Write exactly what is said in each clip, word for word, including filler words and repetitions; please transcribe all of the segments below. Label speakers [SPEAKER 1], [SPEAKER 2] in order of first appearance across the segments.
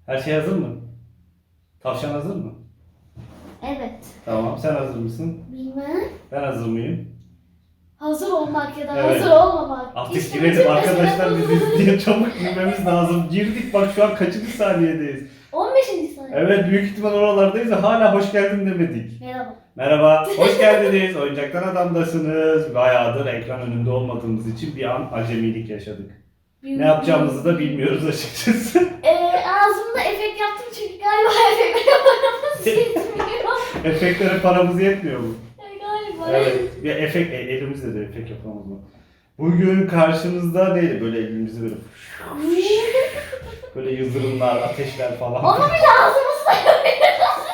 [SPEAKER 1] Her şey hazır mı? Tavşan hazır mı?
[SPEAKER 2] Evet.
[SPEAKER 1] Tamam. Sen hazır mısın?
[SPEAKER 2] Bilmem.
[SPEAKER 1] Ben hazır mıyım?
[SPEAKER 2] Hazır olmak ya da
[SPEAKER 1] Evet.
[SPEAKER 2] hazır olmamak.
[SPEAKER 1] Artık
[SPEAKER 2] İşte
[SPEAKER 1] girelim
[SPEAKER 2] bütün
[SPEAKER 1] arkadaşlar,
[SPEAKER 2] mesele
[SPEAKER 1] bizi
[SPEAKER 2] bu.
[SPEAKER 1] izleyen çabuk girmemiz lazım. Girdik bak, şu an kaçıncı saniyedeyiz?
[SPEAKER 2] on beşinci saniye.
[SPEAKER 1] Evet, büyük ihtimal oralardayız ve hala hoş geldin demedik.
[SPEAKER 2] Merhaba.
[SPEAKER 1] Merhaba, hoş geldiniz. Oyuncaktan Adam'dasınız. Bayağıdır ekran önünde olmadığımız için bir an acemilik yaşadık. Ne yapacağımızı da bilmiyoruz açıkçası.
[SPEAKER 2] Ee, ağzımda efekt yaptım çünkü galiba efekt yapamadığımız yetmiyor.
[SPEAKER 1] Efektlere paramız yetmiyor mu?
[SPEAKER 2] Ee, galiba.
[SPEAKER 1] Evet, bir efekt, e, elimizle de efekt yapamaz mı? Bugün karşınızda neydi? Böyle elimizi böyle böyle yıldırımlar, ateşler falan.
[SPEAKER 2] Onu bile ağzımızda yapıyoruz.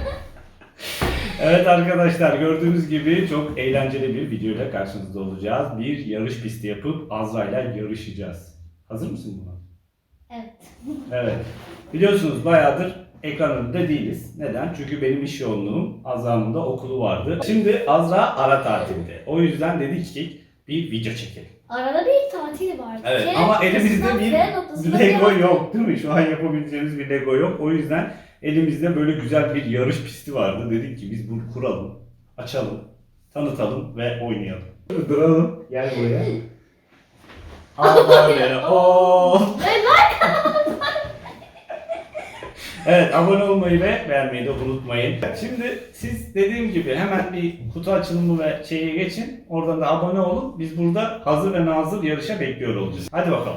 [SPEAKER 1] Evet arkadaşlar, gördüğünüz gibi çok eğlenceli bir videoyla karşınızda olacağız. Bir yarış pisti yapıp Azra ile yarışacağız. Hazır mısın buna?
[SPEAKER 2] Evet.
[SPEAKER 1] Evet. Biliyorsunuz bayağıdır ekran önünde değiliz. Neden? Çünkü benim iş yoğunluğum, Azra'nın da okulu vardı. Şimdi Azra ara tatilde. O yüzden dedik ki bir video çekelim.
[SPEAKER 2] Arada bir tatil vardı.
[SPEAKER 1] Evet
[SPEAKER 2] C
[SPEAKER 1] ama elimizde
[SPEAKER 2] noktasından
[SPEAKER 1] bir
[SPEAKER 2] B noktasına
[SPEAKER 1] Lego
[SPEAKER 2] bir-
[SPEAKER 1] yok değil mi? Şu an yapabileceğimiz bir Lego yok. O yüzden elimizde böyle güzel bir yarış pisti vardı. Dedik ki biz bunu kuralım, açalım, tanıtalım ve oynayalım. Duralım. Gel buraya. Allah beni. Oo. Evet, abone olmayı ve beğenmeyi de unutmayın. Şimdi siz dediğim gibi hemen bir kutu açılımı ve şeye geçin. Oradan da abone olun. Biz burada hazır ve nazır yarışa bekliyor olacağız. Hadi bakalım.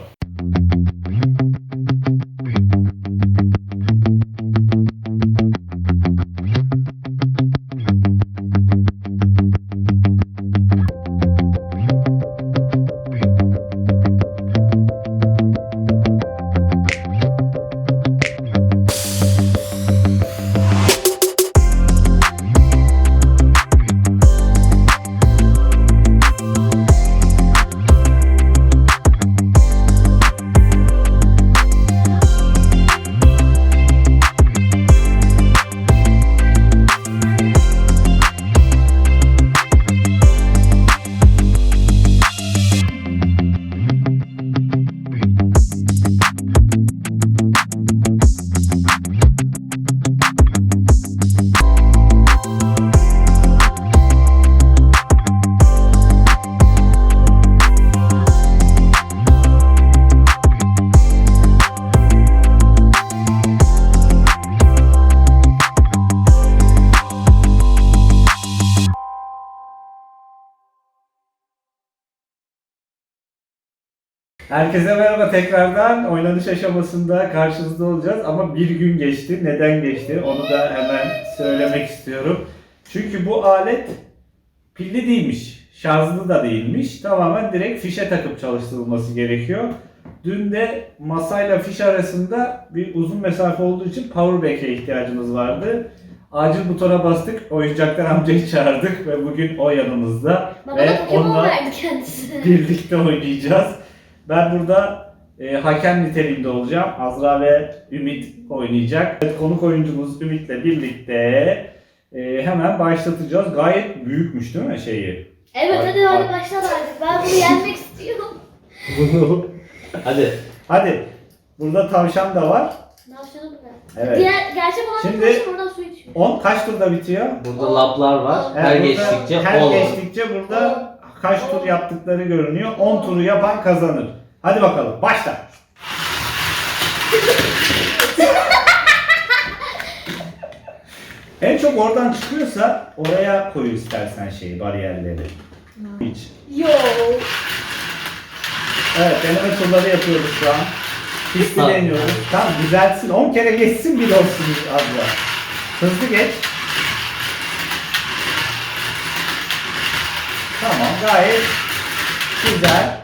[SPEAKER 1] Herkese merhaba tekrardan. Oynanış aşamasında karşınızda olacağız ama bir gün geçti. Neden geçti? Onu da hemen söylemek istiyorum. Çünkü bu alet pilli değilmiş, şarjlı da değilmiş. Tamamen direkt fişe takıp çalıştırılması gerekiyor. Dün de masayla fiş arasında bir uzun mesafe olduğu için powerbank'e ihtiyacımız vardı. Acil butona bastık, oyuncaklar amcayı çağırdık ve bugün o yanımızda.
[SPEAKER 2] Bana
[SPEAKER 1] Ve
[SPEAKER 2] da Pokemon
[SPEAKER 1] onunla
[SPEAKER 2] verdi kendisi.
[SPEAKER 1] birlikte oynayacağız. Ben burada e, hakem niteliğinde olacağım. Azra ve Ümit oynayacak. Evet, konuk oyuncumuz Ümit'le birlikte e, hemen başlatacağız. Gayet büyükmüş değil mi şeyi?
[SPEAKER 2] Evet
[SPEAKER 1] Hadi,
[SPEAKER 2] hadi hadi
[SPEAKER 1] hadi.
[SPEAKER 2] başla artık. Ben bunu yenmek istiyorum.
[SPEAKER 1] Bunu.
[SPEAKER 3] Hadi.
[SPEAKER 1] Hadi. Burada tavşan da var.
[SPEAKER 2] Ne yapacağını bu ne?
[SPEAKER 1] Evet.
[SPEAKER 2] Diğer gerçek olan
[SPEAKER 1] Şimdi-
[SPEAKER 2] Şimdi... buradan su içiyor.
[SPEAKER 1] on kaç turda bitiyor?
[SPEAKER 3] Burada lablar var.
[SPEAKER 2] Evet,
[SPEAKER 3] Her
[SPEAKER 1] burada-
[SPEAKER 3] geçtikçe
[SPEAKER 1] her
[SPEAKER 3] on.
[SPEAKER 1] geçtikçe burada kaç tur yaptıkları görünüyor. on turu yapan kazanır. Hadi bakalım başla. En çok oradan çıkıyorsa oraya koy istersen şeyi, bariyerleri. Hiç.
[SPEAKER 2] Yo.
[SPEAKER 1] Evet, deneme turları yapıyoruz şu an. Pisti
[SPEAKER 3] Tamam.
[SPEAKER 1] deniyoruz. Tamam, güzelsin. on kere geçsin bir olsun abla. Hızlı geç. Tamam, gayet güzel.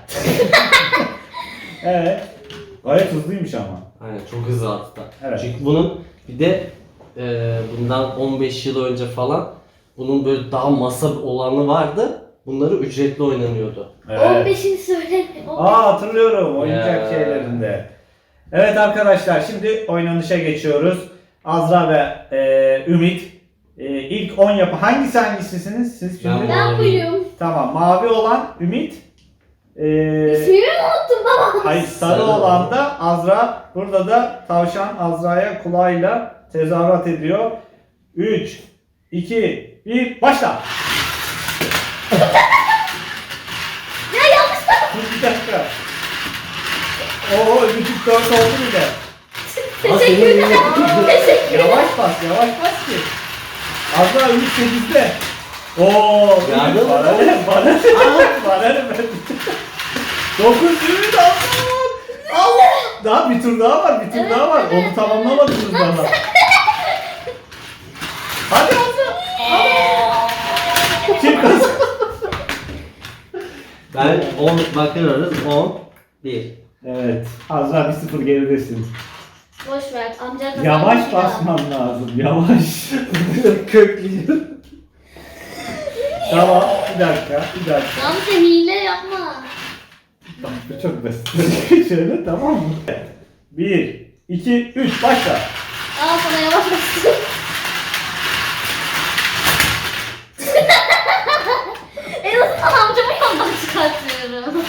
[SPEAKER 1] Evet. Gayet hızlıymış ama.
[SPEAKER 3] Aynen, çok hızlı attı.
[SPEAKER 1] Evet.
[SPEAKER 3] Çünkü bunun bir de e, bundan on beş yıl önce falan bunun böyle daha masa olanı vardı. Bunları ücretli oynanıyordu.
[SPEAKER 2] on beşini söyle.
[SPEAKER 1] Aa, hatırlıyorum oyuncak
[SPEAKER 3] Ya.
[SPEAKER 1] şeylerinde. Evet arkadaşlar, şimdi oynanışa geçiyoruz. Azra ve e, Ümit e, ilk on yapı. Hangisi hangisisiniz siz şimdi?
[SPEAKER 3] Ben-
[SPEAKER 2] Ben buyum.
[SPEAKER 1] Tamam, mavi olan Ümit. E,
[SPEAKER 2] İsmimi mi unuttum yapamam.
[SPEAKER 1] Hayır, sarı
[SPEAKER 3] Sarı
[SPEAKER 1] olan
[SPEAKER 3] olan.
[SPEAKER 1] da Azra. Burada da tavşan Azra'ya kulağıyla tezahürat ediyor. üç, iki, bir, başla.
[SPEAKER 2] Ya yanlış da.
[SPEAKER 1] Dur bir dakika. Oo, öbürcük dört oldu bile.
[SPEAKER 2] Teşekkürler. Teşekkürler.
[SPEAKER 1] Yavaş bas, yavaş bas ki. Azra Ümit sekizde. Oo,
[SPEAKER 3] Yardım
[SPEAKER 1] Ümit bana
[SPEAKER 3] mı?
[SPEAKER 1] ne, bana ne, bana ne ben. dokuz Ümit Allah. Allah. Daha bir tur daha var, bir tur
[SPEAKER 2] Evet,
[SPEAKER 1] daha var.
[SPEAKER 2] evet,
[SPEAKER 1] Onu tamamlamadınız daha. Hadi Azra. Kim kazandı?
[SPEAKER 3] Ben on bakıyoruz. on, bir.
[SPEAKER 1] Evet. Azra bir sıfır geridesin.
[SPEAKER 2] Boş ver. Amca kazandı.
[SPEAKER 1] Yavaş basman lazım. Yavaş. Kökleyeceğim. Tamam. Bir dakika. Bir dakika.
[SPEAKER 2] Amca hile yapma.
[SPEAKER 1] Bak bu çok basit. Şöyle tamam mı? Bir, iki, üç. Başla.
[SPEAKER 2] Al sana yavaş bastım. En azından amcamı yoldan çıkartıyorum.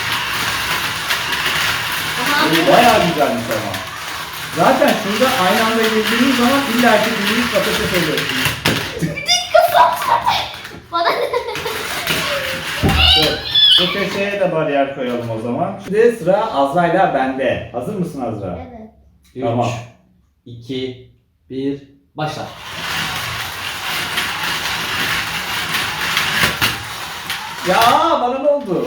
[SPEAKER 2] Aha, amca-
[SPEAKER 1] Bayağı güzelmiş ama. Zaten şurada aynı anda girdiğiniz zaman illa ki biriniz patates oluyorsunuz.
[SPEAKER 2] Bana ne?
[SPEAKER 1] Dur. Bu köşeye de bariyer koyalım o zaman. Şimdi sıra Azra'yla bende. Hazır mısın Azra?
[SPEAKER 2] Evet.
[SPEAKER 3] üç,
[SPEAKER 1] Tamam.
[SPEAKER 3] iki, bir, başla.
[SPEAKER 1] Ya bana ne oldu?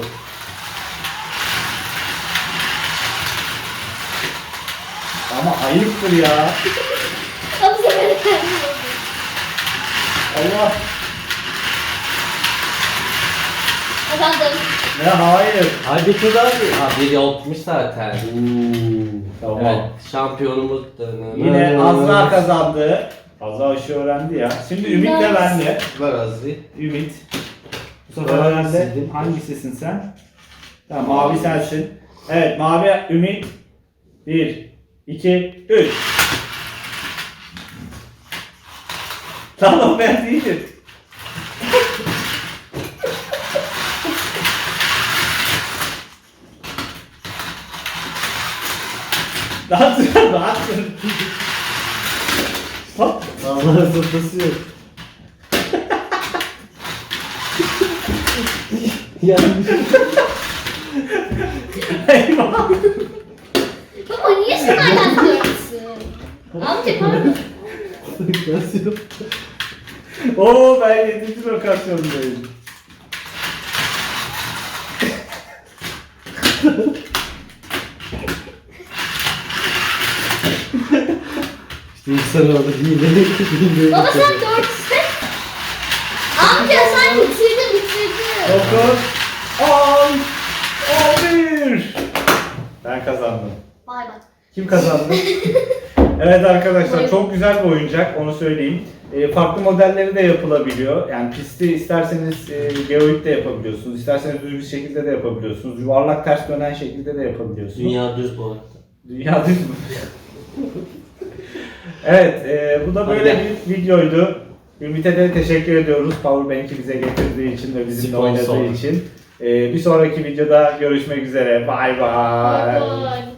[SPEAKER 1] Ama ayıptır ya.
[SPEAKER 2] Ama sen beni kendin oldun.
[SPEAKER 1] Allah.
[SPEAKER 2] Kazandım.
[SPEAKER 1] Ne hayır.
[SPEAKER 3] Hadi bir tur daha bir. Ha bir yapmış zaten.
[SPEAKER 1] Tamam.
[SPEAKER 3] Evet, şampiyonumuz.
[SPEAKER 1] Yine Azra kazandı. Azra işi öğrendi ya. Şimdi Ümit de bende.
[SPEAKER 3] Ver Azri.
[SPEAKER 1] Ümit. Bu sefer
[SPEAKER 3] Ben
[SPEAKER 1] herhalde
[SPEAKER 3] sildim.
[SPEAKER 1] hangisisin sen? Tamam, mavi sensin. Evet, mavi Ümit. Bir, iki, üç. Tamam, ben değilim. Rahat dur, rahat dur. Hop.
[SPEAKER 3] Allah'ın sırtası yok. Yanlış.
[SPEAKER 1] Eyvah.
[SPEAKER 2] Baba niye sen hala diyorsun? Amca pardon.
[SPEAKER 3] Nasıl yok?
[SPEAKER 1] Oo, ben yedinci lokasyondayım.
[SPEAKER 3] İşte insan orada hile. hile
[SPEAKER 2] Baba sen dört iste. Amca sen bitirdin bitirdin.
[SPEAKER 1] Dokuz, on, on bir. Ben kazandım.
[SPEAKER 2] Bay bay.
[SPEAKER 1] Kim kazandı? Evet arkadaşlar,
[SPEAKER 2] Buyurun.
[SPEAKER 1] çok güzel bir oyuncak, onu söyleyeyim. E, farklı modelleri de yapılabiliyor. Yani pisti isterseniz e, geoid de yapabiliyorsunuz, isterseniz düz bir şekilde de yapabiliyorsunuz, yuvarlak ters dönen şekilde de yapabiliyorsunuz.
[SPEAKER 3] Dünya düz bu arada.
[SPEAKER 1] Dünya düz mü? Evet, e, bu da
[SPEAKER 3] Hadi
[SPEAKER 1] böyle
[SPEAKER 3] gel.
[SPEAKER 1] bir videoydu. Ümit'e de teşekkür ediyoruz. Powerbank'i bize getirdiği için ve bizimle
[SPEAKER 3] Sponsor.
[SPEAKER 1] oynadığı için. E, bir sonraki videoda görüşmek üzere. Bay bay.
[SPEAKER 2] Bay bay.